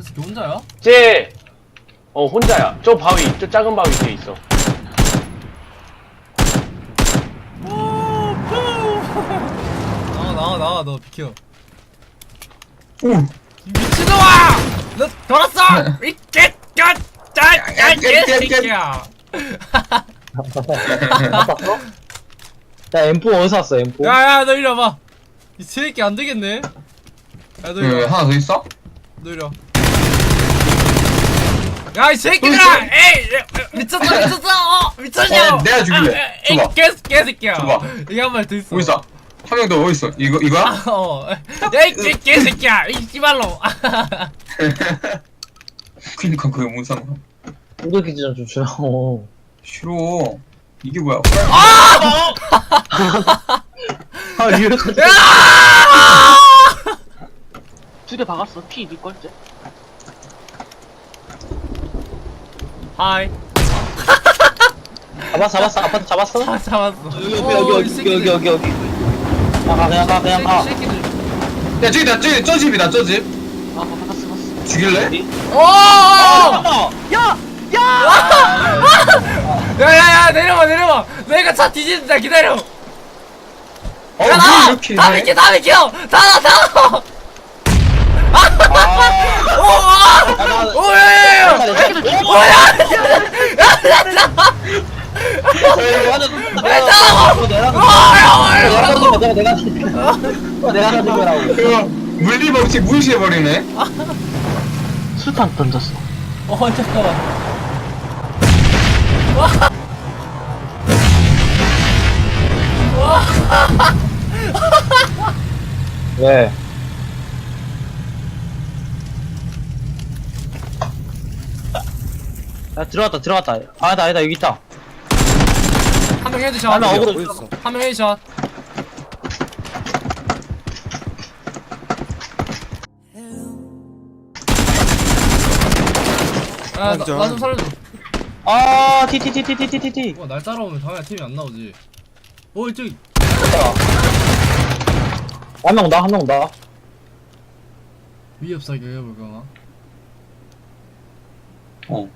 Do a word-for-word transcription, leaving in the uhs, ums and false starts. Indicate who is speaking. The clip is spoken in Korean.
Speaker 1: 새끼 혼자야?
Speaker 2: 쟤, 어, 혼자야. 저 바위, 저 작은 바위 뒤에 있어.
Speaker 1: 나와 나와 나와 너 비켜.
Speaker 3: 오.
Speaker 1: 미친놈아! 너 돌았어! 이 개갓! 짜! 이 개새끼야!
Speaker 4: 야 엠포 어디서 왔어 엠포?
Speaker 1: 야야 너 이리 와봐. 이 새끼 안 되겠네. 야너 이리
Speaker 3: 그
Speaker 1: 와.
Speaker 3: 하나 더 있어?
Speaker 1: 너 이리 와. 야 이 새끼들아! 에이! 미쳤어 미쳤어! 어! 미쳤냐!
Speaker 3: 어, 내가 죽일래.
Speaker 1: 아, 에이
Speaker 3: 줘봐.
Speaker 1: 개 개새끼야.
Speaker 3: 줘봐.
Speaker 1: 이게 한 말 더 있어.
Speaker 3: 어디 있어? 한 명 더 어디 있어? 이거 이거야?
Speaker 1: 어. 야이 개 개새끼야! 이 씨발로.
Speaker 3: 그니까 그게 뭔 상관?
Speaker 4: 우도기 좀 주라고.
Speaker 3: 싫어. 이게 뭐야?
Speaker 1: 아!
Speaker 4: 아 이렇게.
Speaker 1: 야!
Speaker 2: 두 대 박았어. 피 니걸 쟤?
Speaker 1: 하이.
Speaker 4: 잡았어 잡았어 아파트 잡았어?
Speaker 1: 아 잡았어.
Speaker 4: 여기
Speaker 1: 어,
Speaker 4: 여기
Speaker 1: 이
Speaker 4: 여기
Speaker 1: 새끼들.
Speaker 4: 여기 여기 여기. 아 그냥 가 그냥 가.
Speaker 1: 이 새끼들.
Speaker 3: 야 저기다 저기 저 집이다 저 집.
Speaker 2: 아, 박았어, 박았어.
Speaker 3: 죽일래?
Speaker 1: 오!
Speaker 4: 아, 야!
Speaker 1: 야야야 내려와 내려와. 내가 차 뒤진다 기다려.
Speaker 3: 어,
Speaker 1: 야
Speaker 3: 왜
Speaker 1: 나와.
Speaker 3: 이렇게
Speaker 1: 다
Speaker 3: 해?
Speaker 1: 비켜 다 비켜. 다 나. 다. 오! 와! 오야야야. 뭐야?
Speaker 4: 내가 가진 거라고.
Speaker 3: 그거 물리 법칙 무시해버리네.
Speaker 2: 수탄 던졌어.
Speaker 1: 어 잠깐만.
Speaker 4: 왜? 야 들어갔다 들어갔다. 아니다 아니다 여기 있다.
Speaker 1: 한 명 헤드샷.
Speaker 4: 아, 나 어그로
Speaker 1: 한 명 헤드샷. 아, 나 좀 살려줘.
Speaker 4: 아 티티티티티티티.
Speaker 1: 와, 날 따라오면 당연히 팀이 안 나오지. 어, 저기.
Speaker 4: 한명 나 한 명 나.
Speaker 1: 위협 사격 해볼까?
Speaker 3: 어.